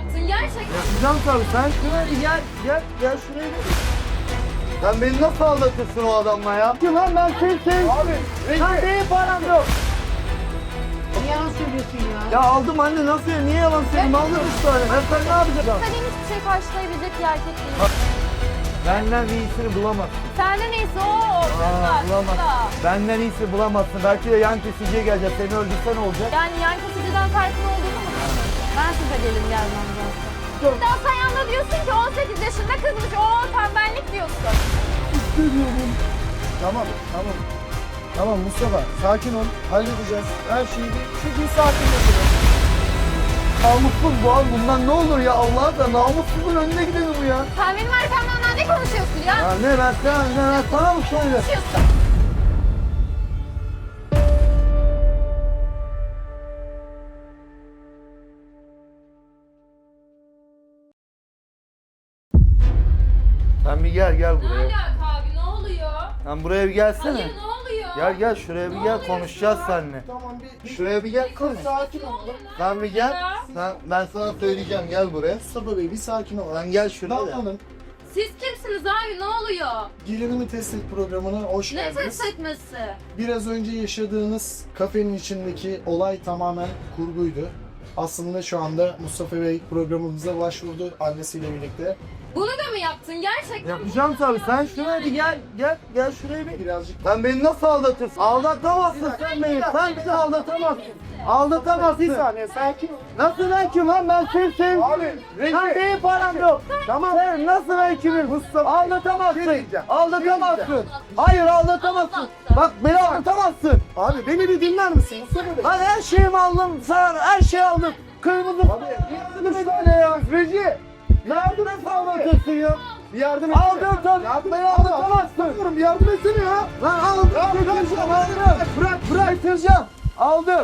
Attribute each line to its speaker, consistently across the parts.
Speaker 1: yaptın gerçekten?
Speaker 2: Yapacağım tabii. Sen şuraya bir gel şuraya bir. Sen beni nasıl aldatırsın o adamla ya? Kim lan ben sen? Abi. Lan benim param yok.
Speaker 3: Niye yalan söylüyorsun ya?
Speaker 2: Ya aldım anne nasıl ya? Niye yalan söyleyeyim? Aldım 3 tane. Ben ne yapacağım?
Speaker 1: Sen hiçbir şey karşılayabilecek bir erkek değil.
Speaker 2: Benden iyisini bulamazsın.
Speaker 1: Senden iyisi o.
Speaker 2: Bulamazsın. Benden iyisini bulamazsın. Belki de yan kesiciye gelecek. Seni öldürsen olacak.
Speaker 1: Yani yan kesiciden farkın olduğunu mu düşünüyorsun? Ben size gelin gelmem zaten. Daha sen yanında diyorsun ki 18 yaşında kızmış. O tembellik diyorsun.
Speaker 4: Tamam Mustafa, sakin ol. Halledeceğiz. Her şeyi bir sakin yapalım.
Speaker 2: Namussuz bu abi. Bundan ne olur ya? Allah'ım da namussuzun önüne gidelim bu ya.
Speaker 1: Sen benim arkamdan ne konuşuyorsun ya?
Speaker 2: Ya ne ben sana mı söyle?
Speaker 1: Konuşuyorsun.
Speaker 2: Sen bir gel
Speaker 1: Ne
Speaker 2: buraya.
Speaker 1: alaka abi ne oluyor?
Speaker 2: Sen buraya bir gelsene.
Speaker 1: Hayır ne oluyor?
Speaker 2: Gel şuraya bir gel konuşacağız seninle.
Speaker 4: Tamam bir
Speaker 2: Şuraya bir gel konuş.
Speaker 4: sakin ol.
Speaker 2: Sen bir gel. Ben sana söyleyeceğim gel buraya.
Speaker 4: Mustafa Bey bir sakin ol.
Speaker 2: Sen gel şuraya.
Speaker 4: Damla'nın
Speaker 1: Siz kimsiniz abi ne oluyor?
Speaker 4: gelinimi test et programına hoş
Speaker 1: Ne
Speaker 4: geldiniz.
Speaker 1: test etmesi?
Speaker 4: Biraz önce yaşadığınız kafenin içindeki olay tamamen kurguydu. Aslında şu anda Mustafa Bey programımıza başvurdu annesiyle birlikte.
Speaker 1: Bunu da mı yaptın gerçekten?
Speaker 2: Yapacağım tabii. Sen şuraya bir gel şuraya bir.
Speaker 4: Birazcık
Speaker 2: Sen beni nasıl aldatırsın? Aldatamazsın sen beni. Sen bizi aldatamazsın. Aldatamazsın.
Speaker 4: bir saniye sakin ol.
Speaker 2: Nasıl ben kim lan? Ben seni sevdim.
Speaker 4: Abi,
Speaker 2: Sen benim param yok.
Speaker 4: Tamam.
Speaker 2: Sen nasıl ben kimim?
Speaker 4: Mustafa,
Speaker 2: Aldatamazsın.
Speaker 4: bir şey diyeceğim.
Speaker 2: Aldatamazsın. Hayır aldatamazsın. Bak beni aldatamazsın.
Speaker 4: Abi beni bir dinler misin Mustafa Bey?
Speaker 2: Lan her şeyimi aldım. Sana her şeyi aldım. Kırmızı.
Speaker 4: Abi,
Speaker 2: yardım et öyle ya. Reji. Yardım et aldatırsın ya.
Speaker 4: Bir yardım
Speaker 2: Aldım tabii. Beni aldatamazsın.
Speaker 4: Bir yardım etsene ya.
Speaker 2: Lan aldım. Bırak. Bitireceğim. Aldım.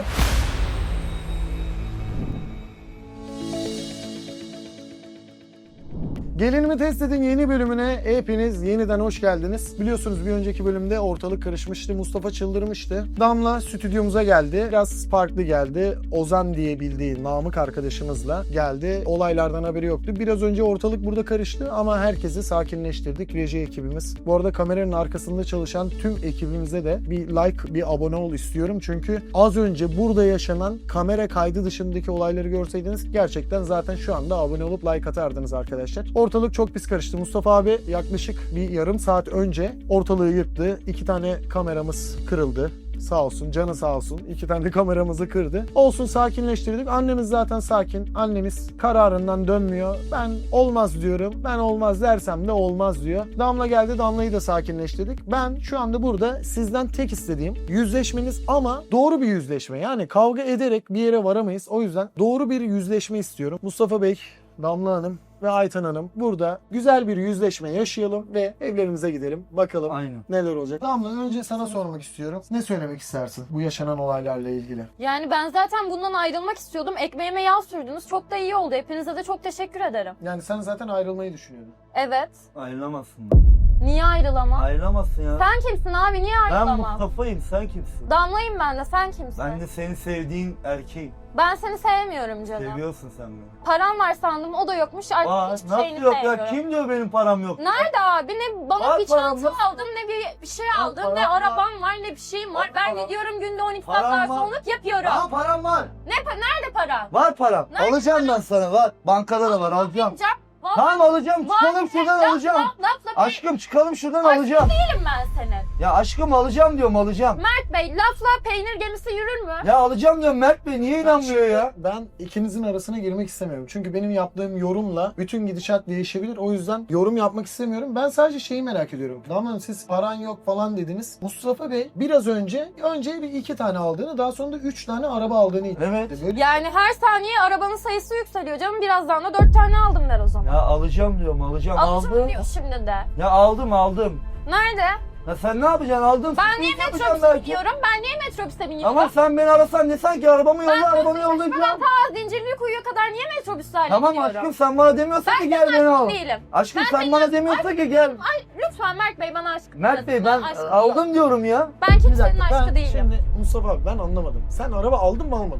Speaker 4: Gelinimi test edin yeni bölümüne hepiniz yeniden hoş geldiniz. Biliyorsunuz bir önceki bölümde ortalık karışmıştı. Mustafa çıldırmıştı. Damla stüdyomuza geldi. Biraz farklı geldi. Ozan diye bildiği Namık arkadaşımızla geldi. Olaylardan haberi yoktu. Biraz önce ortalık burada karıştı ama herkesi sakinleştirdik. Reji ekibimiz. Bu arada kameranın arkasında çalışan tüm ekibimize de bir like, bir abone ol istiyorum. Çünkü az önce burada yaşanan kamera kaydı dışındaki olayları görseydiniz gerçekten zaten şu anda abone olup like atardınız arkadaşlar. Ortalık çok pis karıştı. Mustafa abi yaklaşık bir yarım saat önce ortalığı yırttı. 2 tane kameramız kırıldı. Sağ olsun, canı sağ olsun. 2 tane de kameramızı kırdı. Olsun sakinleştirdik. Annemiz zaten sakin. Annemiz kararından dönmüyor. Ben olmaz diyorum. Ben olmaz dersem de olmaz diyor. Damla geldi. Damla'yı da sakinleştirdik. Ben şu anda burada sizden tek istediğim yüzleşmeniz ama doğru bir yüzleşme. Yani kavga ederek bir yere varamayız. O yüzden doğru bir yüzleşme istiyorum. Mustafa Bey, Damla Hanım ve Ayten Hanım burada güzel bir yüzleşme yaşayalım ve evlerimize gidelim. Bakalım
Speaker 2: Aynen.
Speaker 4: neler olacak. Damla önce sana sormak istiyorum. Ne söylemek istersin bu yaşanan olaylarla ilgili?
Speaker 1: Yani ben zaten bundan ayrılmak istiyordum. Ekmeğime yağ sürdünüz. Çok da iyi oldu. Hepinize de çok teşekkür ederim.
Speaker 4: Yani sen zaten ayrılmayı düşünüyordun.
Speaker 1: Evet.
Speaker 2: Ayrılamazsın.
Speaker 1: Niye ayrılamam?
Speaker 2: Ayrılamazsın ya.
Speaker 1: Sen kimsin abi? Niye
Speaker 2: Ben
Speaker 1: ayrılamam?
Speaker 2: Mustafa'yım. Sen kimsin?
Speaker 1: Damlayım ben de. Sen kimsin?
Speaker 2: Ben de seni sevdiğin erkeğim.
Speaker 1: Ben seni sevmiyorum canım.
Speaker 2: Seviyorsun sen beni.
Speaker 1: Param var sandım. O da yokmuş. Artık
Speaker 2: Aa,
Speaker 1: hiçbir
Speaker 2: nasıl
Speaker 1: şeyini
Speaker 2: yok
Speaker 1: sevmiyorum.
Speaker 2: ya? Kim diyor benim param yok?
Speaker 1: Nerede abi? Ne bana
Speaker 2: Var
Speaker 1: bir
Speaker 2: param,
Speaker 1: çanta
Speaker 2: nasıl?
Speaker 1: aldım, ne bir şey
Speaker 2: Var
Speaker 1: aldım,
Speaker 2: param
Speaker 1: ne
Speaker 2: var.
Speaker 1: arabam var, ne bir şeyim var.
Speaker 2: Var
Speaker 1: Ben
Speaker 2: param.
Speaker 1: gidiyorum günde 12
Speaker 2: Param
Speaker 1: saat
Speaker 2: var.
Speaker 1: garsonluk yapıyorum.
Speaker 2: Aa param var.
Speaker 1: Nerede param?
Speaker 2: Var param.
Speaker 1: Nerede
Speaker 2: Alacağım ben sana. Var. Bankada da var. Alacağım.
Speaker 1: Yapacağım. Vallahi
Speaker 2: Tamam alacağım.
Speaker 1: var.
Speaker 2: Çıkalım şuradan
Speaker 1: Laf,
Speaker 2: alacağım.
Speaker 1: lafla
Speaker 2: Aşkım çıkalım şuradan
Speaker 1: Aşkım
Speaker 2: alacağım.
Speaker 1: değilim ben senin.
Speaker 2: Ya aşkım alacağım diyorum alacağım.
Speaker 1: Mert Bey lafla peynir gemisi yürür mü?
Speaker 2: Ya alacağım diyorum Mert Bey niye inanmıyor ya?
Speaker 4: Ben ikinizin arasına girmek istemiyorum. Çünkü benim yaptığım yorumla bütün gidişat değişebilir. O yüzden yorum yapmak istemiyorum. Ben sadece şeyi merak ediyorum. Damla Hanım siz paran yok falan dediniz. Mustafa Bey biraz önce bir 2 tane aldığını daha sonra da 3 tane araba aldığını iddia
Speaker 2: Evet.
Speaker 4: etti. Böyle
Speaker 1: Yani her saniye arabanın sayısı yükseliyor canım. Birazdan da 4 tane aldım der o zaman.
Speaker 2: Ya alacağım diyorum alacağım.
Speaker 1: Alacağım
Speaker 2: Aldım.
Speaker 1: diyor şimdi de.
Speaker 2: Ya aldım.
Speaker 1: Nerede?
Speaker 2: Ya sen ne yapacaksın aldın?
Speaker 1: Ben niye
Speaker 2: Sürpriz
Speaker 1: metrobüse
Speaker 2: yapacağım belki.
Speaker 1: biniyorum? Ben niye metrobüse biniyorum?
Speaker 2: Ama sen beni arasan desen ki arabamı yolla arabamı
Speaker 1: Ben
Speaker 2: yollayacağım.
Speaker 1: ta Zincirli Kuyu'ya kadar niye metrobüslerle
Speaker 2: Tamam
Speaker 1: gidiyorum?
Speaker 2: aşkım sen bana demiyorsan
Speaker 1: Ben
Speaker 2: ki gel beni al.
Speaker 1: değilim.
Speaker 2: Aşkım
Speaker 1: Ben
Speaker 2: sen bana demiyorsan ki gel.
Speaker 1: Ay lütfen Mert Bey bana aşkım.
Speaker 2: Mert Bey ben
Speaker 1: aşkım
Speaker 2: aldım diyorum ya.
Speaker 1: Ben
Speaker 4: bir
Speaker 1: kimsenin
Speaker 4: dakika
Speaker 1: aşkı
Speaker 4: ben
Speaker 1: değilim.
Speaker 4: şimdi Mustafa abi ben anlamadım. Sen araba aldın mı almadın mı?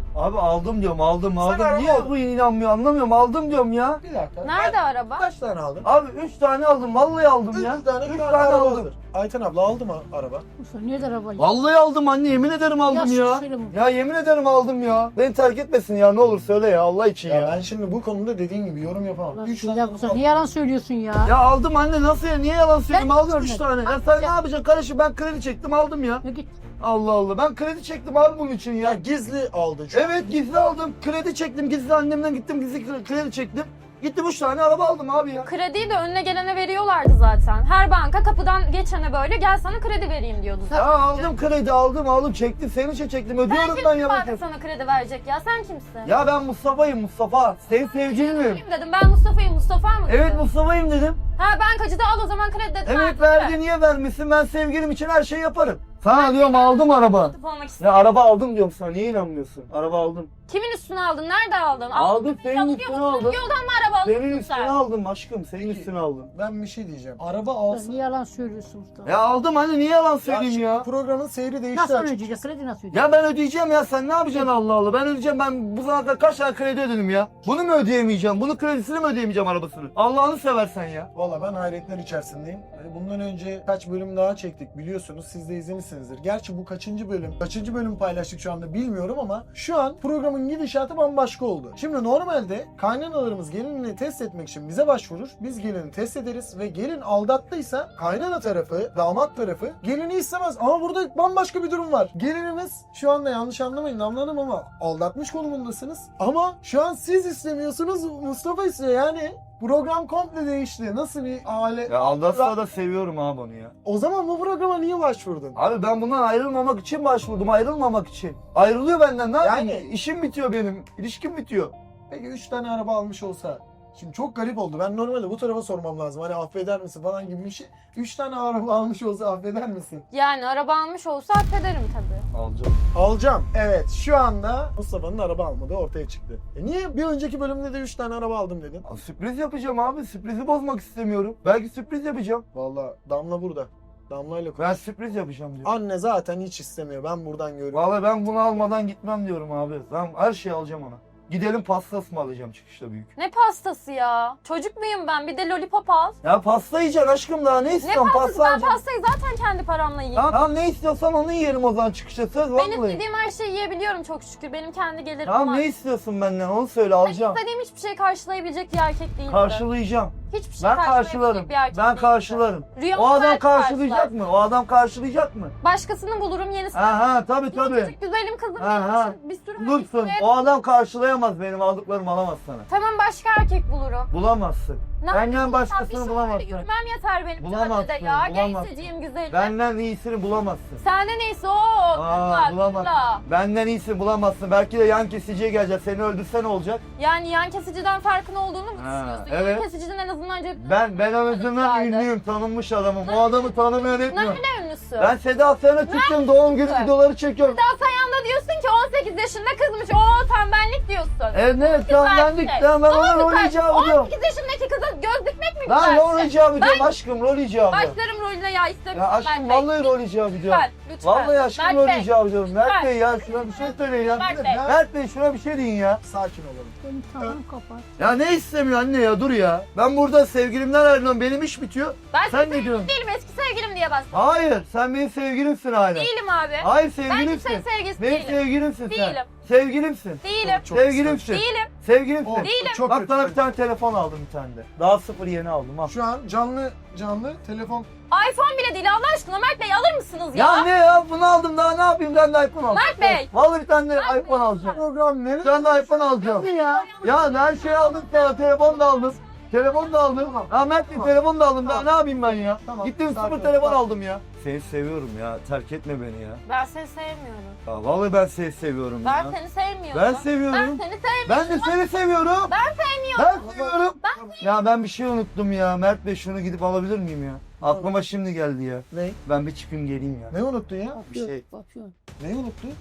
Speaker 2: Abi aldım diyorum aldım.
Speaker 4: araba
Speaker 2: Niye
Speaker 4: aldın.
Speaker 2: bu inanmıyor anlamıyorum aldım diyorum ya.
Speaker 4: Bir dakika.
Speaker 1: Nerede araba?
Speaker 4: Kaç tane aldın?
Speaker 2: Abi 3 tane aldım vallahi aldım ya.
Speaker 4: 3 tane,
Speaker 2: 3
Speaker 4: şu an
Speaker 2: tane
Speaker 4: araba
Speaker 2: aldım.
Speaker 4: hazır. Ayten abla aldı mı araba?
Speaker 3: Mustafa nerede araba?
Speaker 2: Vallahi aldım anne yemin ederim aldım
Speaker 3: Ya
Speaker 2: ya.
Speaker 3: söyle bunu.
Speaker 2: Ya yemin ederim aldım ya. Beni terk etmesin ya ne olur söyle ya Allah için
Speaker 4: Ya
Speaker 2: ya.
Speaker 4: ben şimdi bu konuda dediğin gibi yorum yapamam.
Speaker 3: Ulan
Speaker 4: 3
Speaker 3: ya
Speaker 4: tane
Speaker 3: Mustafa niye yalan söylüyorsun ya?
Speaker 2: Ya aldım anne nasıl ya niye yalan söyleyeyim
Speaker 3: Ben
Speaker 2: aldım 3
Speaker 3: görmedim.
Speaker 2: tane. Ya sen ne yapacaksın kardeşim ben kredi çektim aldım ya.
Speaker 3: Ya git.
Speaker 2: Allah Allah ben kredi çektim abi bunun için ya.
Speaker 4: Ya gizli aldın şu an.
Speaker 2: Evet gizli aldım. Kredi çektim. Gizli annemden gittim. Gizli kredi çektim. Gittim 3 tane araba aldım abi ya.
Speaker 1: Krediyi de önüne gelene veriyorlardı zaten. Her banka kapıdan geçene böyle gel sana kredi vereyim diyordu zaten.
Speaker 2: Ya aldım kredi aldım çektim. Senin için çektim. Ödüyorum ben ya.
Speaker 1: Banka sana kredi verecek ya sen kimsin?
Speaker 2: Ya ben Mustafa'yım Mustafa. Senin sevgilim.
Speaker 1: Kim dedim ben Mustafa'yım Mustafa mı dedim?
Speaker 2: Evet Mustafa'yım dedim.
Speaker 1: Ha bankacıda al o zaman kredi dedim.
Speaker 2: Evet verdi niye vermişsin? Ben sevgilim için her şeyi yaparım. Sana diyorum aldım araba.
Speaker 1: Olmak
Speaker 2: Ya
Speaker 1: istiyorum.
Speaker 2: araba aldım diyorum sana. Niye inanmıyorsun? Araba aldım.
Speaker 1: Kimin üstüne aldın? Nerede aldın?
Speaker 2: Aldım senin
Speaker 1: Alıyor
Speaker 2: üstüne
Speaker 1: musun?
Speaker 2: aldım.
Speaker 1: Yoldan mı araba
Speaker 2: Senin
Speaker 1: alıyorsun
Speaker 2: üstüne
Speaker 1: sen?
Speaker 2: aldım aşkım. Senin üstüne aldım.
Speaker 4: Ben bir şey diyeceğim. Araba
Speaker 3: Ulan
Speaker 4: alsın.
Speaker 3: niye yalan söylüyorsun Mustafa?
Speaker 2: Ya aldım anne niye yalan
Speaker 4: Ya
Speaker 2: söyleyeyim
Speaker 4: şimdi
Speaker 2: ya?
Speaker 4: Programın seyri değişti
Speaker 3: Nasıl
Speaker 4: açık.
Speaker 3: ödeyecek? Kredi nasıl ödeyecek?
Speaker 2: Ya ben ödeyeceğim ya sen ne yapacaksın Allah Allah ben ödeyeceğim ben bu zamana kadar kaç tane kredi ödedim ya. Bunu mu ödeyemeyeceğim bunu kredisini mi ödeyemeyeceğim arabasını. Allah'ını seversen ya.
Speaker 4: Valla ben hayretler içerisindeyim. Bundan önce kaç bölüm daha çektik biliyorsunuz. Siz de izlemişsinizdir. Gerçi bu kaçıncı bölüm? Kaçıncı bölüm paylaştık şu anda bilmiyorum ama şu an programın gidişatı bambaşka oldu. Şimdi normalde kaynanalarımız gelinini test etmek için bize başvurur. Biz gelini test ederiz ve gelin aldattıysa kaynana tarafı, damat tarafı gelini istemez. Ama burada bambaşka bir durum var. Gelinimiz şu anda yanlış anlamayın Damla Hanım ama aldatmış konumundasınız. Ama şu an siz istemiyorsunuz Mustafa istiyor yani. Program komple değişti. Nasıl bir aile?
Speaker 2: Ya aldatsa da seviyorum abi onu ya.
Speaker 4: O zaman bu programa niye başvurdun?
Speaker 2: Abi ben bundan ayrılmamak için başvurdum ayrılmamak için. Ayrılıyor benden ne yapayım?
Speaker 4: Yani-
Speaker 2: İşim bitiyor benim ilişkim bitiyor.
Speaker 4: Peki 3 tane araba almış olsa. Şimdi çok garip oldu. Ben normalde bu tarafa sormam lazım. Hani affeder misin falan gibi bir şey. 3 tane araba almış olsa affeder misin?
Speaker 1: Yani araba almış olsa affederim tabii.
Speaker 2: Alacağım.
Speaker 4: Alacağım. Evet şu anda Mustafa'nın araba almadığı ortaya çıktı. Niye bir önceki bölümde de 3 tane araba aldım dedin?
Speaker 2: Sürpriz yapacağım abi sürprizi bozmak istemiyorum. Belki sürpriz yapacağım.
Speaker 4: Vallahi Damla burada. Damla'yla konuş.
Speaker 2: Ben sürpriz yapacağım diyor.
Speaker 4: Anne zaten hiç istemiyor. Ben buradan görüyorum.
Speaker 2: Vallahi ben bunu almadan gitmem diyorum abi. Ben her şeyi alacağım ona. Gidelim pasta ısmarlayacağım çıkışta büyük.
Speaker 1: Ne pastası ya? Çocuk muyum ben? Bir de lollipop al.
Speaker 2: Ya pasta yiyeceksin aşkım daha ne
Speaker 1: Ne
Speaker 2: istiyorsun?
Speaker 1: pastası?
Speaker 2: Pasta
Speaker 1: Ben
Speaker 2: alacaksın.
Speaker 1: pastayı zaten kendi paramla yiyeyim.
Speaker 2: Tamam ne istiyorsan onu yiyelim o zaman çıkışta söz
Speaker 1: Ben
Speaker 2: vallahi.
Speaker 1: istediğim her şeyi yiyebiliyorum çok şükür. Benim kendi gelirim
Speaker 2: Tamam
Speaker 1: var.
Speaker 2: ne istiyorsun benden onu söyle
Speaker 1: Ben
Speaker 2: alacağım.
Speaker 1: istediğim hiçbir şey karşılayabilecek bir erkek değilim.
Speaker 2: Karşılayacağım.
Speaker 1: Hiçbir şey
Speaker 2: Ben
Speaker 1: karşılayabilecek
Speaker 2: karşılarım.
Speaker 1: bir erkek
Speaker 2: Ben
Speaker 1: değilim.
Speaker 2: karşılarım.
Speaker 1: Rüyamı
Speaker 2: O adam
Speaker 1: belki
Speaker 2: karşılayacak
Speaker 1: karşılar.
Speaker 2: mı? O adam karşılayacak mı?
Speaker 1: Başkasını bulurum yenisini.
Speaker 2: Aha tabii
Speaker 1: Yine
Speaker 2: tabii.
Speaker 1: küçük güzelim kızım
Speaker 2: Aha.
Speaker 1: benim için bir sürü
Speaker 2: Dursun.
Speaker 1: erkek-
Speaker 2: O adam karşılayamaz benim aldıklarımı alamaz sana.
Speaker 1: Tamam başka erkek bulurum.
Speaker 2: Bulamazsın.
Speaker 1: Ne
Speaker 2: Benden
Speaker 1: yapayım?
Speaker 2: başkasını
Speaker 1: Bir
Speaker 2: bulamazsın.
Speaker 1: Yürümem yeter benim
Speaker 2: Bulamazsın,
Speaker 1: sahnede ya.
Speaker 2: bulamazsın.
Speaker 1: Gençseciğim güzelim.
Speaker 2: Benden iyisini bulamazsın.
Speaker 1: Sende neyse o.
Speaker 2: Aa, bulamazsın.
Speaker 1: kızla.
Speaker 2: Benden iyisini bulamazsın. Belki de yan kesiciye gelecek. Seni öldürse ne olacak?
Speaker 1: Yani yan kesiciden farkın olduğunu mu
Speaker 2: Ha,
Speaker 1: düşünüyorsun?
Speaker 2: evet.
Speaker 1: Yan kesiciden en azından cep...
Speaker 2: Ben en azından ünlüyüm, tanınmış adamım. O adamı tanımayan etmiyor.
Speaker 1: Ne ünlüsü?
Speaker 2: Ben Seda Sayan'a çıktım, doğum günü
Speaker 1: Evet.
Speaker 2: videoları çekiyorum.
Speaker 1: Daha sen da diyorsun ki 18 yaşında kızmış. O tembellik diyorsun.
Speaker 2: Evet, tamam ben
Speaker 1: Güzel.
Speaker 2: diktim. Ben ona rol icabı diyorum.
Speaker 1: 18 yaşındaki kıza göz dikmek mi
Speaker 2: Lan
Speaker 1: güzel?
Speaker 2: rol icabı diyorum aşkım, rol icabı.
Speaker 1: Başlarım rolüne ya istemiyorum.
Speaker 2: Ya aşkım vallahi rol icabı diyorum.
Speaker 1: Lütfen.
Speaker 2: Vallahi aşkım
Speaker 1: Mert
Speaker 2: rol
Speaker 1: Bey,
Speaker 2: icabı diyorum. Mert
Speaker 1: lütfen.
Speaker 2: Bey ya şuna bir şey söyleyin ya.
Speaker 1: Mert Bey.
Speaker 2: Mert Bey şuna bir şey deyin ya.
Speaker 4: Sakin olalım.
Speaker 3: Benim tamam kapat.
Speaker 2: Ya ne istemiyor anne ya dur ya. Ben burada sevgilimden ayrılıyorum benim iş bitiyor.
Speaker 1: Ben
Speaker 2: Sen ne diyorsun?
Speaker 1: değilim eski sevgilim diye bas.
Speaker 2: Hayır sen benim sevgilimsin hala.
Speaker 1: Değilim abi.
Speaker 2: Hayır
Speaker 1: Ben
Speaker 2: sevgilimsin.
Speaker 1: kimsenin sevgilisi
Speaker 2: Benim
Speaker 1: değilim.
Speaker 2: sevgilimsin sen.
Speaker 1: Değilim.
Speaker 2: Sevgilimsin.
Speaker 1: Değilim.
Speaker 4: Çok
Speaker 2: Sevgilimsin.
Speaker 1: Değilim.
Speaker 2: Sevgilimsin.
Speaker 4: O,
Speaker 1: Değilim.
Speaker 4: çok
Speaker 2: Bak
Speaker 4: kötü.
Speaker 2: sana bir tane telefon aldım bir tane de. Daha sıfır yeni aldım al.
Speaker 4: Şu an canlı telefon.
Speaker 1: iPhone bile değil Allah aşkına Mert Bey alır mısınız ya?
Speaker 2: Ya ne ya bunu aldım daha ne yapayım ben de iPhone aldım.
Speaker 1: Mert Bey.
Speaker 2: Vallahi bir tane de iPhone alacağım.
Speaker 4: Program nerede?
Speaker 2: Bir tane de iPhone alacağım.
Speaker 3: Ya.
Speaker 2: Ya her şeyi aldım sana telefon da aldım. Telefon da aldım. Ahmet Bey telefon da aldım. Daha ne yapayım ben ya?
Speaker 4: Tamam,
Speaker 2: Gittim
Speaker 4: sakin
Speaker 2: sıfır
Speaker 4: ol,
Speaker 2: telefon
Speaker 4: sakin.
Speaker 2: aldım ya. Seni seviyorum ya. Terk etme beni ya.
Speaker 1: Ben seni sevmiyorum.
Speaker 2: Ya vallahi ben seni seviyorum
Speaker 1: Ben
Speaker 2: ya.
Speaker 1: seni sevmiyorum.
Speaker 2: Ben seviyorum.
Speaker 1: Ben seni sevmiyorum.
Speaker 2: Ben de seni seviyorum.
Speaker 1: Ben sevmiyorum.
Speaker 2: Ben seviyorum. Ya ben bir şey unuttum ya. Mert Bey şunu gidip alabilir miyim ya? Aklıma şimdi geldi ya.
Speaker 4: Ne?
Speaker 2: Ben bir çıkayım geleyim ya.
Speaker 4: Ne unuttun ya?
Speaker 3: Papyon,
Speaker 2: şey.
Speaker 3: papyon.
Speaker 4: Neyi unuttun?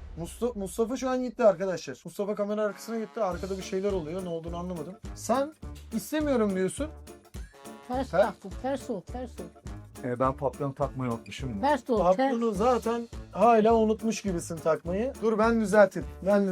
Speaker 4: Mustafa şu an gitti arkadaşlar. Mustafa kamera arkasına gitti. Arkada bir şeyler oluyor. Ne olduğunu anlamadım. Sen istemiyorum diyorsun.
Speaker 3: Ters
Speaker 4: He?
Speaker 3: taktım. Ters ol. Ters ol.
Speaker 2: Ben papyon takmayı unutmuşum.
Speaker 3: Ters ol. Ters.
Speaker 4: Papyonu zaten hala unutmuş gibisin takmayı. Dur ben düzelteyim.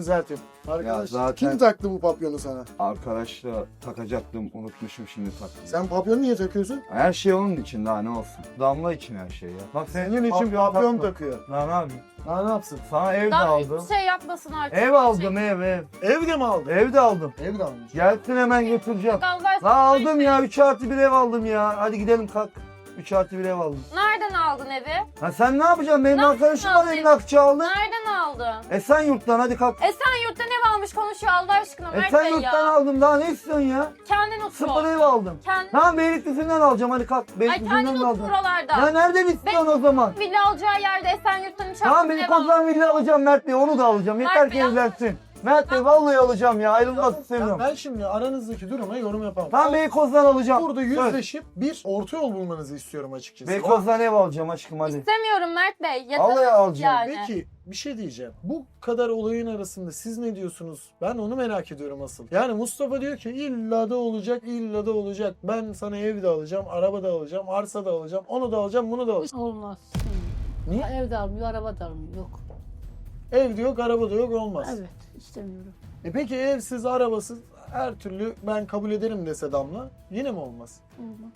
Speaker 4: Arkadaş
Speaker 2: zaten-
Speaker 4: kim taktı bu papyonu sana?
Speaker 2: Arkadaşla takacaktım, unutmuşum, şimdi taktım.
Speaker 4: Sen papyonu niye takıyorsun?
Speaker 2: Her şey onun için, daha ne olsun. Damla için her şey ya. Bak
Speaker 4: Senin için papyon takıyor.
Speaker 2: Lan abi.
Speaker 4: Daha ne yapsın?
Speaker 2: Sana ev de
Speaker 1: Daha
Speaker 2: aldım.
Speaker 1: hiçbir şey yapmasın artık.
Speaker 2: Ev aldım, ev.
Speaker 4: Evde mi aldın?
Speaker 2: Ev de aldım.
Speaker 4: Evde almış.
Speaker 2: Gelsin hemen getireceğim.
Speaker 1: Allah aşkına.
Speaker 2: Lan aldım ya, 3+1 ev aldım ya. Hadi gidelim kalk. 3+1 ev aldım.
Speaker 1: Nereden aldın evi?
Speaker 2: Ha sen ne yapacaksın? Benim
Speaker 1: Nasıl
Speaker 2: arkadaşım var
Speaker 1: aldın?
Speaker 2: emlakçı aldı.
Speaker 1: Nereden aldın?
Speaker 2: Esenyurt'tan hadi kalk.
Speaker 1: Esenyurt'ta ev almış konuşuyor Allah aşkına Mert Bey
Speaker 2: Esenyurt'tan
Speaker 1: ya.
Speaker 2: aldım, daha ne istiyorsun ya?
Speaker 1: Kendin otur.
Speaker 2: Sıfır ev aldım.
Speaker 1: Kendin,
Speaker 2: Tamam Beylikdüzü'nden alacağım, hadi kalk.
Speaker 1: ay
Speaker 2: Beylikdüzü'nden
Speaker 1: kendin
Speaker 2: de
Speaker 1: otur
Speaker 2: aldım.
Speaker 1: oralarda.
Speaker 2: Ya nereden istiyorsun o zaman?
Speaker 1: Villa alacağı yerde Esenyurt'tan uçak
Speaker 2: Tamam beni Kozan Villa alacağım Mert Bey, onu da alacağım. Yeter
Speaker 1: Mert
Speaker 2: ki
Speaker 1: Bey,
Speaker 2: evlensin. Mert Bey vallahi alacağım ya, ayrılmak istemiyorum.
Speaker 4: Ben şimdi aranızdaki duruma yorum yapamam.
Speaker 2: Tamam Beykoz'dan alacağım.
Speaker 4: Burada
Speaker 2: Söz.
Speaker 4: yüzleşip bir orta yol bulmanızı istiyorum açıkçası.
Speaker 2: Beykoz'dan ev alacağım aşkım hadi.
Speaker 1: İstemiyorum Mert Bey. Yeter
Speaker 2: Vallahi alacağım.
Speaker 1: yani.
Speaker 4: Peki bir şey diyeceğim. Bu kadar olayın arasında siz ne diyorsunuz? Ben onu merak ediyorum asıl. Yani Mustafa diyor ki illa da olacak, illa da olacak. Ben sana ev de alacağım, araba da alacağım, arsa da alacağım, onu da alacağım, bunu da alacağım.
Speaker 3: Olmaz.
Speaker 4: Niye?
Speaker 3: Ev de almıyor, araba da almıyor. Yok.
Speaker 4: Ev de yok, araba da yok, olmaz.
Speaker 3: Evet, istemiyorum.
Speaker 4: Peki evsiz, arabasız her türlü ben kabul ederim dese Damla yine mi olmaz?
Speaker 3: Olmaz.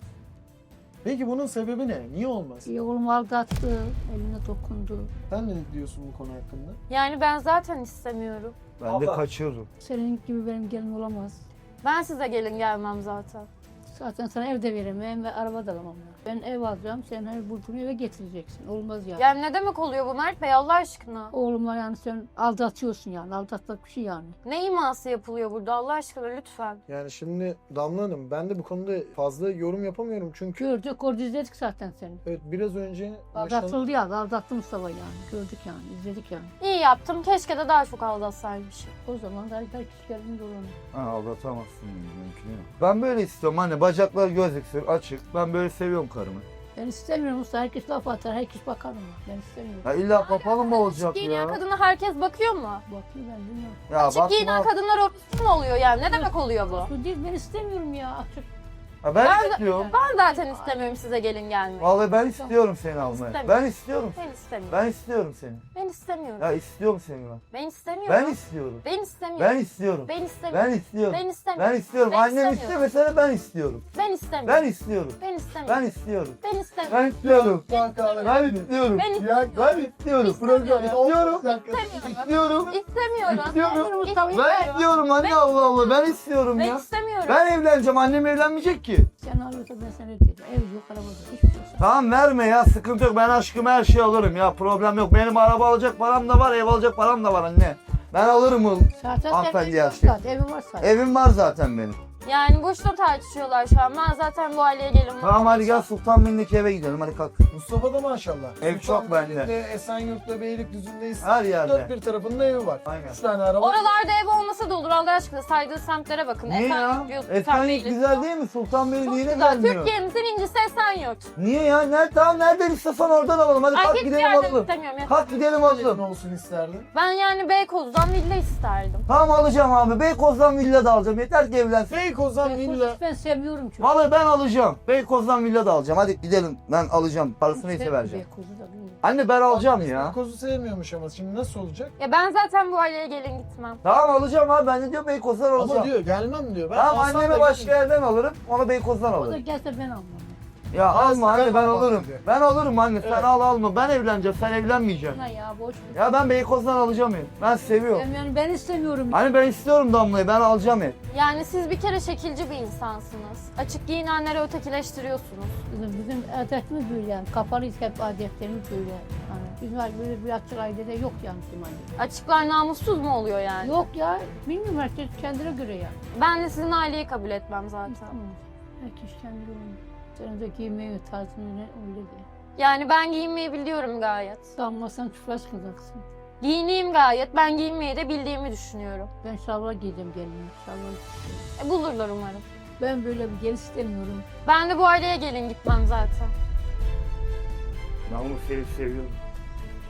Speaker 4: Peki bunun sebebi ne? Niye olmaz?
Speaker 3: Oğlum aldattı, eline dokundu.
Speaker 4: Sen ne diyorsun bu konu hakkında?
Speaker 1: Yani ben zaten istemiyorum.
Speaker 2: Ben de kaçırırım.
Speaker 3: Senin gibi benim gelin olamaz.
Speaker 1: Ben size gelin gelmem zaten.
Speaker 3: Zaten sana ev de veremem ve araba da alamam. Ben ev alacağım, sen her bulduğunu eve getireceksin. Olmaz yani.
Speaker 1: Yani ne demek oluyor bu Mert Bey Allah aşkına?
Speaker 3: Oğlumla yani sen aldatıyorsun yani. Aldatmak bir şey yani.
Speaker 1: Ne iması yapılıyor burada Allah aşkına lütfen.
Speaker 4: Yani şimdi Damla Hanım ben de bu konuda fazla yorum yapamıyorum çünkü
Speaker 3: Gördük, orada izledik zaten seni.
Speaker 4: evet biraz önce
Speaker 3: Aldatıldı ya, aldattı Mustafa yani. Gördük yani, izledik yani.
Speaker 1: İyi yaptım. Keşke de daha çok aldatsaymışım.
Speaker 3: O zaman da herkes gelin dolanır.
Speaker 2: Ha aldatamazsın mümkün yok. Ben böyle istiyorum anne, bacaklar gözüksün açık. Ben böyle seviyorum karımı.
Speaker 3: Ben istemiyorum Mustafa. Herkes laf atar, herkes bakar ona. Ben istemiyorum.
Speaker 2: Ya illa kapalı mı olacak
Speaker 1: Giyinen
Speaker 2: ya?
Speaker 1: kadına herkes bakıyor mu?
Speaker 3: Bakıyor ben bilmiyorum.
Speaker 2: Ya
Speaker 1: Açık giyinen kadınlar orası mı oluyor yani? Ne demek oluyor bu?
Speaker 3: Bu değil, ben istemiyorum ya. Açık.
Speaker 2: Ha, ben
Speaker 1: Ben-
Speaker 2: istiyorum.
Speaker 1: Ben zaten istemiyorum size gelin gelmeyi.
Speaker 2: Vallahi ben istiyorum seni almaya.
Speaker 1: İstemiyorum.
Speaker 2: Ben istiyorum.
Speaker 1: Ben istemiyorum.
Speaker 2: Ben istiyorum seni.
Speaker 1: Ben istemiyorum.
Speaker 2: Ya istiyorum seni ben.
Speaker 1: Ben istemiyorum.
Speaker 2: Ben istiyorum.
Speaker 1: Ben istemiyorum.
Speaker 2: Ben istiyorum.
Speaker 1: Ben istemiyorum.
Speaker 2: Ben istiyorum.
Speaker 1: Ben istemiyorum.
Speaker 2: Ben istiyorum.
Speaker 1: Ben
Speaker 2: Annem
Speaker 1: istemiyorum.
Speaker 2: istemese de ben istiyorum.
Speaker 1: Ben istemiyorum.
Speaker 2: Ben istiyorum.
Speaker 1: Ben istemiyorum.
Speaker 2: Ben istiyorum.
Speaker 1: Ben istemiyorum.
Speaker 2: Ben istiyorum.
Speaker 1: Ben
Speaker 2: Ben istiyorum.
Speaker 1: Ben
Speaker 2: Ya ben istiyorum.
Speaker 1: İstemiyorum.
Speaker 2: İstiyorum.
Speaker 1: İstemiyorum.
Speaker 2: İstiyorum.
Speaker 1: İstemiyorum.
Speaker 2: İstiyorum.
Speaker 3: Mustafa,
Speaker 2: Ben istiyorum anne, Allah Allah. Ben istiyorum
Speaker 1: Ben
Speaker 2: ya.
Speaker 1: istemiyorum.
Speaker 2: Ben evleneceğim. Annem evlenmeyecek ki.
Speaker 3: Sen alıyorsa ben sana ödeyeceğim. Ev yok, araba yok. Hiçbir şey yok.
Speaker 2: Tamam verme ya, sıkıntı yok. Ben aşkıma her şeyi alırım ya, problem yok. Benim araba alacak param da var, ev alacak param da var anne. Ben alırım o.
Speaker 3: Zaten
Speaker 2: Hanımefendi
Speaker 3: evin
Speaker 2: her
Speaker 3: var
Speaker 2: şey.
Speaker 3: zaten. Evin var zaten.
Speaker 2: Evim var zaten benim.
Speaker 1: Yani boşuna tartışıyorlar şu an. Ben zaten bu aileye gelin.
Speaker 2: Tamam hadi gel Sultanbeyli'ndeki eve gidelim, hadi kalk.
Speaker 4: Mustafa da maşallah.
Speaker 2: Ev çok bende.
Speaker 4: Sultanbeyli'de, Esenyurt'ta, Beylikdüzü'ndeyiz.
Speaker 2: Her yerde.
Speaker 4: Dört bir tarafında evi var.
Speaker 2: Aynen.
Speaker 4: 3 tane araba.
Speaker 1: Oralarda ev olmasa da olur Allah aşkına. Saydığı semtlere bakın.
Speaker 2: Niye ya?
Speaker 1: Esenyurt diyor,
Speaker 2: Esenyurt
Speaker 1: Sultanbeyli
Speaker 2: güzel
Speaker 1: diyor.
Speaker 2: değil mi? Sultanbeyli
Speaker 1: Çok
Speaker 2: niye
Speaker 1: güzel.
Speaker 2: gelmiyor?
Speaker 1: Türkiye'mizin incisi Esenyurt.
Speaker 2: Niye ya? Tamam nereden istiyorsan oradan alalım. Hadi
Speaker 1: Ay
Speaker 2: kalk
Speaker 1: hiçbir
Speaker 2: gidelim
Speaker 1: yerden
Speaker 2: alalım.
Speaker 1: istemiyorum. Ya.
Speaker 2: Kalk gidelim
Speaker 4: Ne
Speaker 2: alalım.
Speaker 4: olsun isterdin?
Speaker 1: Ben yani Beykoz'dan villa isterdim.
Speaker 2: Tamam alacağım abi. Beykoz'dan villa da alacağım. Yeter ki evlensin.
Speaker 4: Beykoz'dan villa.
Speaker 3: Ben sevmiyorum çünkü.
Speaker 2: Vallahi ben alacağım. Beykoz'dan villa da alacağım. Hadi gidelim. Ben alacağım. Parasını neyse vereceğim.
Speaker 3: Beykoz'u da bilmiyorum.
Speaker 2: Anne ben alacağım ya.
Speaker 4: Beykoz'u sevmiyormuş ama şimdi nasıl olacak?
Speaker 1: Ya ben zaten bu aileye gelin gitmem.
Speaker 2: Tamam alacağım abi. Ben de diyor Beykoz'dan alacağım.
Speaker 4: Ama diyor gelmem diyor. Ben
Speaker 2: Tamam
Speaker 4: alsam
Speaker 2: anneme
Speaker 4: da
Speaker 2: başka
Speaker 4: gelmem.
Speaker 2: yerden alırım. Ona Beykoz'dan
Speaker 3: O da
Speaker 2: alırım.
Speaker 3: gelse ben almam.
Speaker 2: Ya alma anne ben
Speaker 4: almam
Speaker 2: alırım.
Speaker 4: diyor.
Speaker 2: Ben alırım anne.
Speaker 4: Evet.
Speaker 2: Sen al alma. Ben evleneceğim. Sen evlenmeyeceksin.
Speaker 3: Buna ya boş ver.
Speaker 2: Ya ben Beykoz'dan alacağım ev. Ben seviyorum.
Speaker 3: Yani ben istemiyorum.
Speaker 2: Hani ben istiyorum Damla'yı. Ben alacağım ev.
Speaker 1: Yani siz bir kere şekilci bir insansınız. Açık giyinenleri ötekileştiriyorsunuz.
Speaker 3: Bizim adetimiz böyle yani. Kapalıyız hep adetlerimiz böyle. Yani bizim böyle bir açık ailede yok yani bizim ailede.
Speaker 1: Açıklar namussuz mu oluyor yani?
Speaker 3: Yok ya, bilmiyorum herkes kendine göre ya.
Speaker 1: Ben de sizin aileyi kabul etmem zaten.
Speaker 3: Tamam. Herkes kendine göre. Senin de giymeyi tarzını ne öyle de.
Speaker 1: Yani ben giyinmeyi biliyorum gayet.
Speaker 3: Sanmasan çıplak çıkacaksın.
Speaker 1: Giyineyim gayet. Ben giyinmeyi de bildiğimi düşünüyorum.
Speaker 3: Ben şalvar giyeceğim gelinime. Şalvar istiyorum.
Speaker 1: Bulurlar umarım.
Speaker 3: Ben böyle bir gelin istemiyorum.
Speaker 1: Ben de bu aileye gelin gitmem zaten.
Speaker 2: Ben onu seviyorum.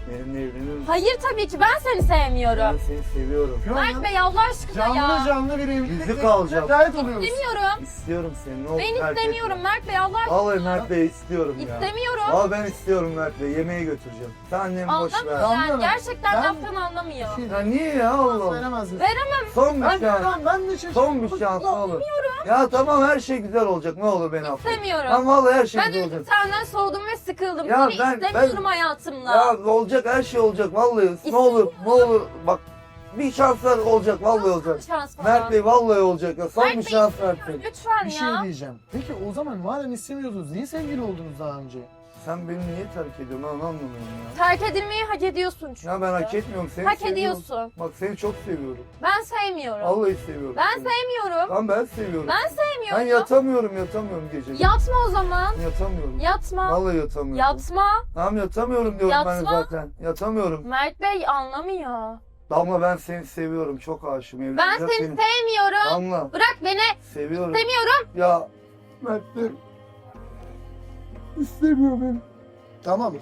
Speaker 2: Benimle evlenir misin?
Speaker 1: Hayır tabii ki ben seni sevmiyorum.
Speaker 2: Ben seni seviyorum.
Speaker 4: Şu
Speaker 1: Mert
Speaker 4: an
Speaker 1: Bey Allah aşkına ya.
Speaker 4: canlı canlı bir evlilik.
Speaker 2: Yüzük alacağım.
Speaker 4: Gayet oluyoruz.
Speaker 1: İstemiyorum.
Speaker 2: İstiyorum seni. Ne olur
Speaker 1: Ben
Speaker 2: terk
Speaker 1: istemiyorum
Speaker 2: etme.
Speaker 1: Mert Bey Allah aşkına.
Speaker 2: Vallahi Mert Bey istiyorum ya.
Speaker 1: İstemiyorum.
Speaker 2: Vallahi ben istiyorum Mert Bey. Yemeğe götüreceğim. Sen annemi boş
Speaker 1: Anlamıyor
Speaker 2: ver.
Speaker 1: yani.
Speaker 4: Anlamıyorum.
Speaker 1: Gerçekten
Speaker 4: Ben-
Speaker 1: laftan anlamıyor.
Speaker 2: Ya niye ya Allah?
Speaker 4: Veremez misin?
Speaker 1: Veremem.
Speaker 2: Son bir şans.
Speaker 4: Ben de şaşırdım.
Speaker 2: Son bir şans ne olur. Ya tamam her şey güzel olacak. Ne olur beni affet.
Speaker 1: İstemiyorum.
Speaker 2: Tamam vallahi her şey
Speaker 1: Ben
Speaker 2: güzel
Speaker 1: artık
Speaker 2: olacak.
Speaker 1: senden soğudum ve sıkıldım.
Speaker 2: Ya
Speaker 1: Seni
Speaker 2: ben-
Speaker 1: istemiyorum hayatımda.
Speaker 2: Ya olacak her şey olacak vallahi. Ne olur ne olur bak bir şanslar olacak vallahi olacak.
Speaker 1: Şans falan.
Speaker 2: Mert Bey vallahi olacak ya. Son
Speaker 1: Mert
Speaker 2: bir
Speaker 1: Bey,
Speaker 2: şans Mert Bey.
Speaker 1: Lütfen
Speaker 4: Bir şey
Speaker 1: ya.
Speaker 4: diyeceğim. Peki o zaman madem istemiyordunuz niye sevgili oldunuz daha önce?
Speaker 2: Sen beni niye terk ediyorsun? Ben anlamıyorum ya.
Speaker 1: Terk edilmeyi hak ediyorsun çünkü.
Speaker 2: Ya ben hak etmiyorum seni
Speaker 1: Hak
Speaker 2: seviyorum.
Speaker 1: ediyorsun.
Speaker 2: Bak seni çok seviyorum.
Speaker 1: Ben sevmiyorum.
Speaker 2: Vallahi seviyorum.
Speaker 1: Ben
Speaker 2: seni.
Speaker 1: sevmiyorum.
Speaker 2: Tamam ben seviyorum.
Speaker 1: Ben
Speaker 2: Ben
Speaker 1: sevmiyorum.
Speaker 2: yatamıyorum gece.
Speaker 1: Yatma o zaman.
Speaker 2: Yatamıyorum.
Speaker 1: Yatma.
Speaker 2: Vallahi yatamıyorum.
Speaker 1: Yatma.
Speaker 2: Tamam yatamıyorum diyorum ben
Speaker 1: Yatma.
Speaker 2: zaten. Yatamıyorum.
Speaker 1: Mert Bey anlamıyor.
Speaker 2: Damla ben seni seviyorum. Çok aşığım.
Speaker 1: Ben
Speaker 2: Evleneceğim
Speaker 1: seni sevmiyorum.
Speaker 2: Damla
Speaker 1: Bırak beni.
Speaker 2: seviyorum.
Speaker 1: Sevmiyorum.
Speaker 2: Ya Mert Bey. İstemiyor beni.
Speaker 4: Tamam.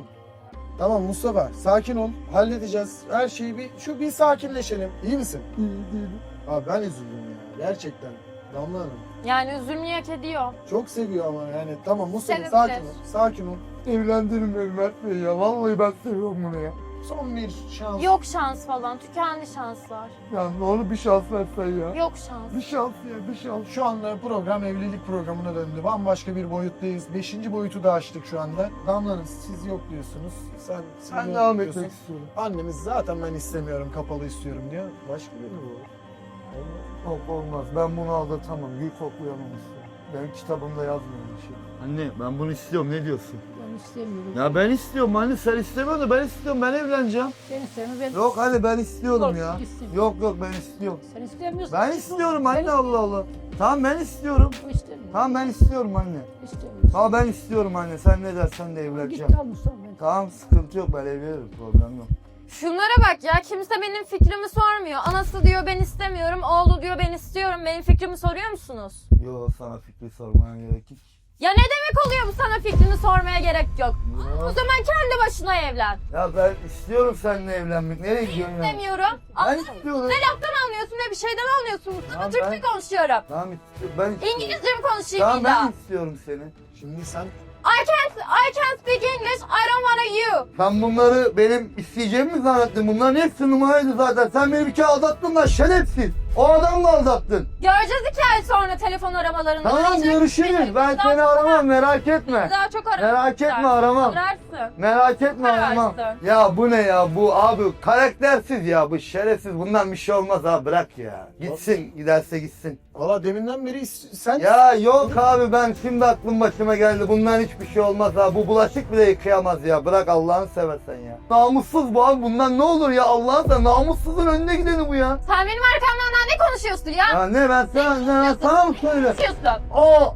Speaker 4: Tamam Mustafa sakin ol. Halledeceğiz. Her şeyi bir sakinleşelim. İyi misin?
Speaker 2: İyi değilim.
Speaker 4: Abi ben üzüldüm ya. Gerçekten. Damla Hanım.
Speaker 1: Yani üzülmeyi hak ediyor.
Speaker 4: Çok seviyor ama yani. Tamam Mustafa
Speaker 1: Sevebilir.
Speaker 4: sakin ol. Sakin ol.
Speaker 2: Evlendirin beni Mert Bey ya. Vallahi ben seviyorum bunu ya.
Speaker 4: Son bir şans.
Speaker 1: Yok şans falan. Tükendi şanslar.
Speaker 2: Ya ne olur bir şans versen ya.
Speaker 1: Yok şans.
Speaker 2: Bir şans ya bir şans.
Speaker 4: Şu anda program evlilik programına döndü. Bambaşka bir boyuttayız. 5. boyutu da açtık şu anda. Damla Hanım siz yok diyorsunuz. Siz
Speaker 2: Ben
Speaker 4: yok
Speaker 2: devam
Speaker 4: diyorsun.
Speaker 2: etmek istiyorum.
Speaker 4: Annemiz zaten ben istemiyorum, kapalı istiyorum diyor. Başka biri mi bu?
Speaker 2: Yok olmaz. Ben bunu aldatamam. Gül koklayamam istiyorum. Benim kitabımda yazmıyor bir şey. Anne ben bunu istiyorum. Ne diyorsun?
Speaker 3: Ben istemiyorum.
Speaker 2: Ya ben istiyorum anne. Sen istemiyorsun da ben istiyorum. Ben evleneceğim.
Speaker 3: Sen istemiyorum. Ben...
Speaker 2: Yok hadi ben istiyorum
Speaker 3: Yok,
Speaker 2: ya.
Speaker 3: istemiyorum.
Speaker 2: Yok ben istiyorum.
Speaker 3: Sen istemiyorsun.
Speaker 2: Ben istiyorum anne Allah Allah. Tamam ben istiyorum.
Speaker 3: O istemiyor.
Speaker 2: Tamam ben istiyorum anne.
Speaker 3: İstemiyorsun.
Speaker 2: Tamam ben istiyorum anne. Sen ne dersen de
Speaker 3: Git
Speaker 2: evleneceğim.
Speaker 3: al Mustafa. Ben.
Speaker 2: Tamam sıkıntı yok ben evlenirim. Problem yok.
Speaker 1: Şunlara bak ya. Kimse benim fikrimi sormuyor. Anası diyor ben istemiyorum. Oğlu diyor ben istiyorum. Benim fikrimi soruyor musunuz?
Speaker 2: Yo sana fikri sormaya gerek yok.
Speaker 1: Ya ne demek oluyor bu, sana fikrini sormaya gerek yok. O
Speaker 2: Ya,
Speaker 1: zaman kendi başına evlen.
Speaker 2: ya ben istiyorum seninle evlenmek. Nereye gidiyorsun ya?
Speaker 1: İstemiyorum.
Speaker 2: Ben istiyorum.
Speaker 1: Ne laftan anlıyorsun ne bir şeyden anlıyorsun. Sana
Speaker 2: Ya
Speaker 1: Türkçe
Speaker 2: ben-
Speaker 1: konuşuyorum.
Speaker 2: Tamam istiyorum. Ben istiyorum.
Speaker 1: İngilizce mi konuşayım
Speaker 2: Tamam
Speaker 1: bir daha?
Speaker 2: ben istiyorum seni.
Speaker 4: Şimdi sen
Speaker 1: I can't speak English. I don't wanna you.
Speaker 2: Sen bunları benim isteyeceğimi mi zannettin? Bunların hepsi numaraydı zaten. Sen beni bir kere aldattın lan şerefsiz. O adamla aldattın.
Speaker 1: Göreceğiz 2 ay sonra telefon aramalarında.
Speaker 2: Tamam
Speaker 1: Arayacak
Speaker 2: görüşürüz.
Speaker 1: beni.
Speaker 2: Ben
Speaker 1: Daha
Speaker 2: seni
Speaker 1: çok
Speaker 2: aramam merak etme.
Speaker 1: Daha çok ararsın.
Speaker 2: Merak etme aramam.
Speaker 1: Ararsın.
Speaker 2: Merak etme
Speaker 1: Ararsın.
Speaker 2: aramam. Ya bu ne ya bu abi karaktersiz ya bu şerefsiz. Bundan bir şey olmaz abi bırak ya. Gitsin giderse gitsin.
Speaker 4: valla deminden beri sen
Speaker 2: Ya yok abi ben şimdi aklım başıma geldi. Bundan hiçbir şey olmaz abi. Bu bulaşık bile yıkayamaz ya. Bırak Allah'ını seversen ya. Namussuz bu abi. Bundan ne olur ya Allah'ın sen namussuzun önüne gideni bu ya.
Speaker 1: Sen benim arkamdan daha ne konuşuyorsun ya?
Speaker 2: Ya ne ben sana mı söyle?
Speaker 1: Konuşuyorsun.
Speaker 2: O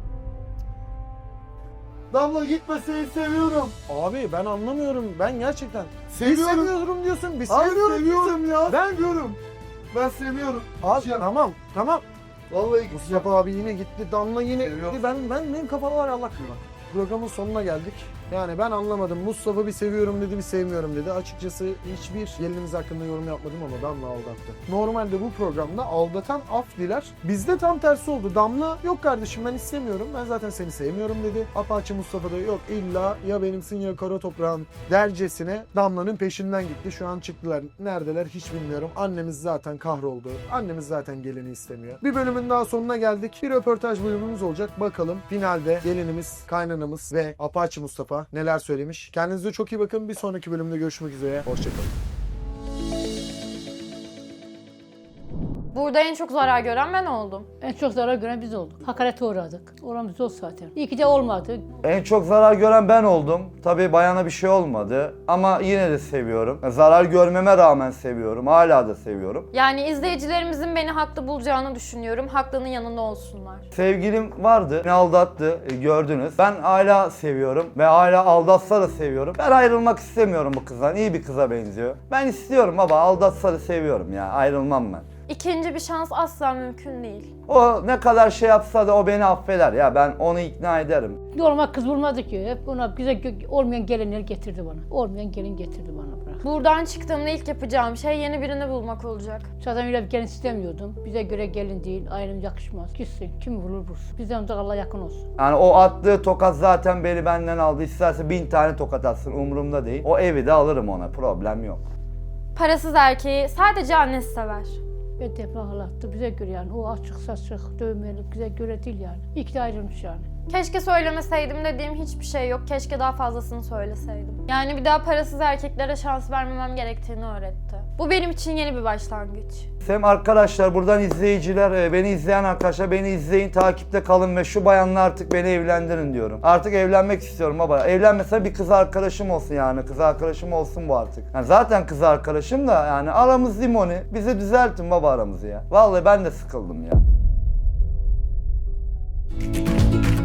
Speaker 2: Damla gitme seni seviyorum.
Speaker 4: abi ben anlamıyorum. Ben gerçekten
Speaker 2: Seviyorum.
Speaker 4: seviyorum diyorsun. Biz
Speaker 2: Abi
Speaker 4: seviyorum.
Speaker 2: seviyorum ya.
Speaker 4: Ben
Speaker 2: diyorum. Ben seviyorum.
Speaker 4: Abi tamam.
Speaker 2: Vallahi
Speaker 4: Mustafa abi yine gitti. Damla yine
Speaker 2: Seviyorum.
Speaker 4: gitti. Benim kafalar Allah bilir. Programın sonuna geldik. Yani ben anlamadım. Mustafa bir seviyorum dedi, bir sevmiyorum dedi. Açıkçası hiçbir gelinimiz hakkında yorum yapmadım ama Damla aldattı. Normalde bu programda aldatan af diler. Bizde tam tersi oldu. Damla yok kardeşim ben istemiyorum. Ben zaten seni sevmiyorum dedi. Apache Mustafa da yok illa ya benimsin ya kara toprağın dercesine Damla'nın peşinden gitti. Şu an çıktılar. Neredeler hiç bilmiyorum. Annemiz zaten kahroldu. Annemiz zaten gelini istemiyor. Bir bölümün daha sonuna geldik. Bir röportaj bölümümüz olacak. Bakalım finalde gelinimiz, kaynanamız ve Apache Mustafa neler söylemiş. Kendinize çok iyi bakın. Bir sonraki bölümde görüşmek üzere. Hoşçakalın.
Speaker 1: Burada en çok zarar gören ben oldum.
Speaker 3: En çok zarar gören biz olduk. Hakarete uğradık. Oramız yok zaten. İyi ki de olmadı.
Speaker 2: En çok zarar gören ben oldum. Tabii bayana bir şey olmadı ama yine de seviyorum. Zarar görmeme rağmen seviyorum. Hala da seviyorum.
Speaker 1: Yani izleyicilerimizin beni haklı bulacağını düşünüyorum. Haklının yanında olsunlar.
Speaker 2: Sevgilim vardı. Beni aldattı. Gördünüz. Ben hala seviyorum ve hala aldatsa da seviyorum. Ben ayrılmak istemiyorum bu kızdan. İyi bir kıza benziyor. Ben istiyorum baba. Aldatsa da seviyorum ya. Ayrılmam ben.
Speaker 1: İkinci bir şans asla mümkün değil.
Speaker 2: O ne kadar şey yapsa da o beni affeder ya. Ben onu ikna ederim.
Speaker 3: Normal kız bulmadı ki. Hep ona bize olmayan gelinler getirdi bana. Olmayan gelin getirdi bana. olarak.
Speaker 1: Buradan çıktığımda ilk yapacağım şey yeni birini bulmak olacak.
Speaker 3: Zaten öyle bir gelin istemiyordum. Bize göre gelin değil, ayrım yakışmaz. Gitsin, kim vurur vursun. Bizden uzak Allah yakın olsun.
Speaker 2: Yani o attığı tokat zaten beni benden aldı. İsterse 1000 tane tokat atsın, umurumda değil. O evi de alırım ona, problem yok.
Speaker 1: Parasız erkeği sadece annesi sever.
Speaker 3: Ve defaattı bize göre yani. O açık saçık, dövmeli bize göre değil yani. İyi ki de ayrılmış yani.
Speaker 1: Keşke söylemeseydim dediğim hiçbir şey yok. Keşke daha fazlasını söyleseydim. Yani bir daha parasız erkeklere şans vermemem gerektiğini öğretti. Bu benim için yeni bir başlangıç.
Speaker 2: Hem arkadaşlar, buradan izleyiciler, beni izleyen arkadaşlar, beni izleyin, takipte kalın ve şu bayanla artık beni evlendirin diyorum. Artık evlenmek istiyorum baba. Evlenmese bir kız arkadaşım olsun yani. Kız arkadaşım olsun bu artık. Yani zaten kız arkadaşım da yani aramız limoni. Bizi düzeltin baba aramızı ya. Vallahi ben de sıkıldım ya.